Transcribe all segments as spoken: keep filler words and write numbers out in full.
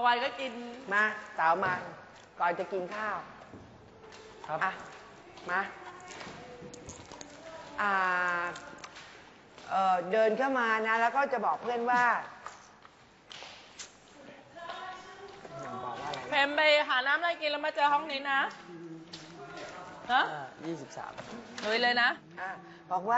ไว้ก็กินมาสาวมาก่อนจะกินข้าวครับอ่ะมาอ่าเออเดินเข้ามานะแล้วก็จะบอกเพื่อนว่าเพมไปหาน้ำอะไรกินแล้วมาเจอห้องนี้นะฮะยี่สิบสามลุยเลยนะอ่ะบอกว่า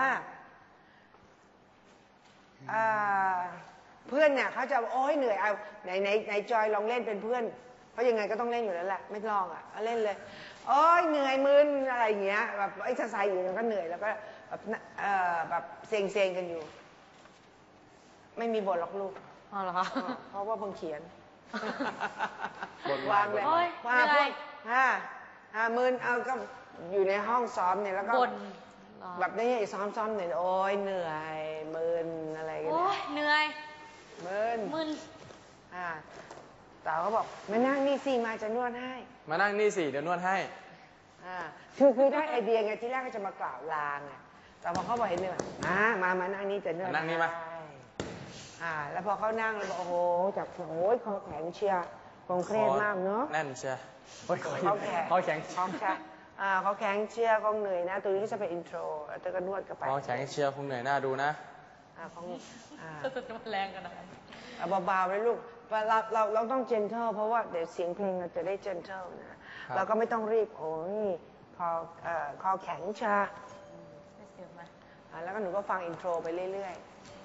เพื่อนเนี่ยเขาจะโอ้ยเหนื่อยเอาไหนไหนไหนจอยลองเล่นเป็นเพื่อนเพราะยังไงก็ต้องเล่นอยู่แล้วแหละไม่ลองอ่ะเล่นเลยโอ้ยเหนื่อยมึนอะไรอย่างเงี้ยแบบไอ้สายอยู่มันก็เหนื่อยแล้วก็แบบเอ่อแบบเซ็งเซ็งกันอยู่ไม่มีบทหรอกลูกอ๋อเหรอคะเพราะว่าเพิ่งเขียนวางเลยว่าพวกฮ่าฮ่ามึนเอาก็อยู่ในห้องซ้อมเนี่ยแล้วก็แบบนี้ซ้อมซ้อมเนี่ยโอ้ยเหนื่อยมึนอะไรกันเนี่ยเหนื่อยมึนมึนอ่าสาวก็บอกมานั่งนี่สิมาจะนวดให้มานั่งนี่สิเดี๋ยวนวดให้อ่าคือคือได้ไอเดียไงที่แรกก็จะมากล่าวลาไงแต่พอเขาบอกเห็นเนี่ยอ่ามามานั่งนี่จะนวดนั่งนี่มาอ่าแล้วพอเขานั่งแล้วบอกโอ้โหจับโอ้ยคอแข็งเชียร์คงเครียดมากเนาะแน่นเชียร์เขาแข็งเขาแข็งเขาแข็งอ่าเขาแข็งเชียร์คงเหนื่อยนะตัวนี้ก็จะเป็นอินโทรแล้วก็นวดกันไปเขาแข็งเชียร์คงเหนื่อยหน้าดูนะอ่าคงอ่าจะมาแรงกันนะเบาๆเลยลูกเราเราเราต้องเจนเทลเพราะว่าเดี๋ยวเสียงเพลงเราจะได้เจนเทลนะเราก็ไม่ต้องรีบโอ้ยคอเอ่อคอแข็งชาแล้วก็หนูก็ฟังอินโทรไปเรื่อย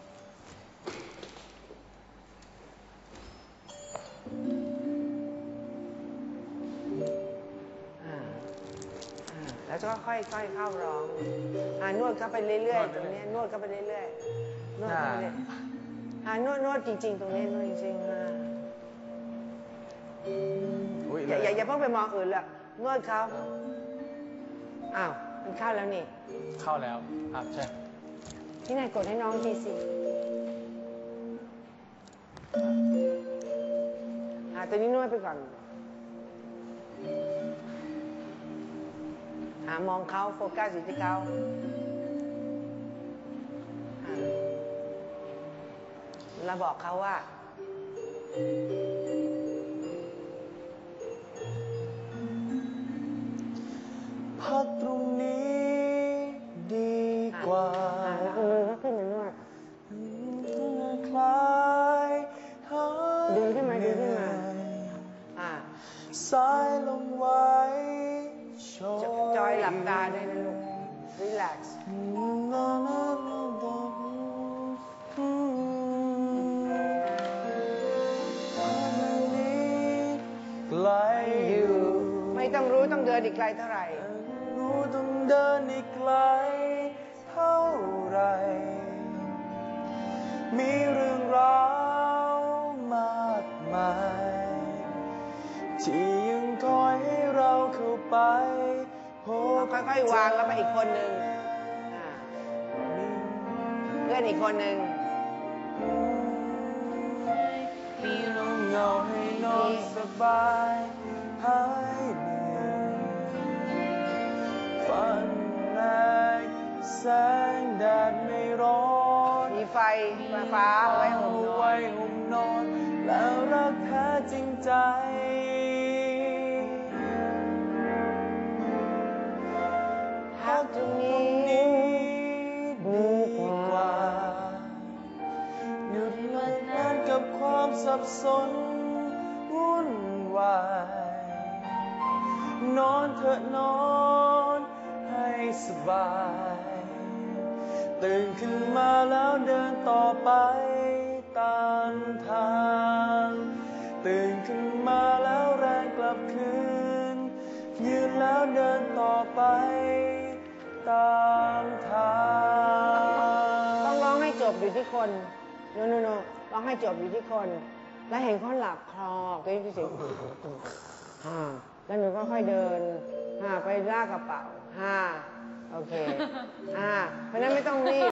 ๆแล้วก็ค่อยๆเข้าร้องอ่านวดเข้าไปเรื่อยๆตรงนี้นวดเข้าไปเรื่อยๆนวดเข้าไปเรื่อยอ่านวดนวดจริงๆตรงนี้นวดจริงๆอ่ะอย่าอย่าอย่าเพิ่งไปมองอื่นเลยนวดเขาอ้าวมันเข้าแล้วนี่เข้าแล้วครับใช่ที่ไหนกดให้น้องทีสิอ่าตัวนี้นวดไปก่อนหามองเขาโฟกัสอยู่ที่เขาเราบอกเขาว่าพักตรงนี้ดีกว่าแล้วเอามือเขาขึ้นมานวดคล้ายดึงขึ้นมาดึงขึ้นมาอ่าสายลงไว้จอยหลับตาได้นะลูก relax ไม่ต้องรู้ต้องเดินอีกไกลเท่าไหร่รู้ต้องเดินอีกไกลเท่าไหร่มีเรื่องราวมากมายที่ยังคอยให้เราเข้าไปพบค่อยๆวางแล้วไปอีกคนหนึ่งเพื่อนอีกคนหนึ่งมีลมเงาให้นอนสบายหายเหนื่อยฝันแรงแสงแดดไม่ร้อนมีไฟฟ้าไว้ห่มนอนห่มนอนแล้วรักแท้จริงใจพักตรงนี้ดีกว่าหยุดเลิกงานกับความสับสนวุ่นวายนอนเถอะนอนให้สบายตื่นขึ้นมาแล้วเดินต่อไปตามทางตื่นขึ้นมาแล้วแรงกลับคืนยืนแล้วเดินต่อไปตามทางต้องร้องให้จบอยู่ที่คนโนโนโนร้องให้จบอยู่ที่คนแล้วเห็นเขาหลับคลอก็ยิ่งเสียงฮ่าแล้วหนูก็ค่อยเดินฮ่าไปลากกระเป๋าฮ่าโอเคฮ่าเพราะนั้นไม่ต้องรีบ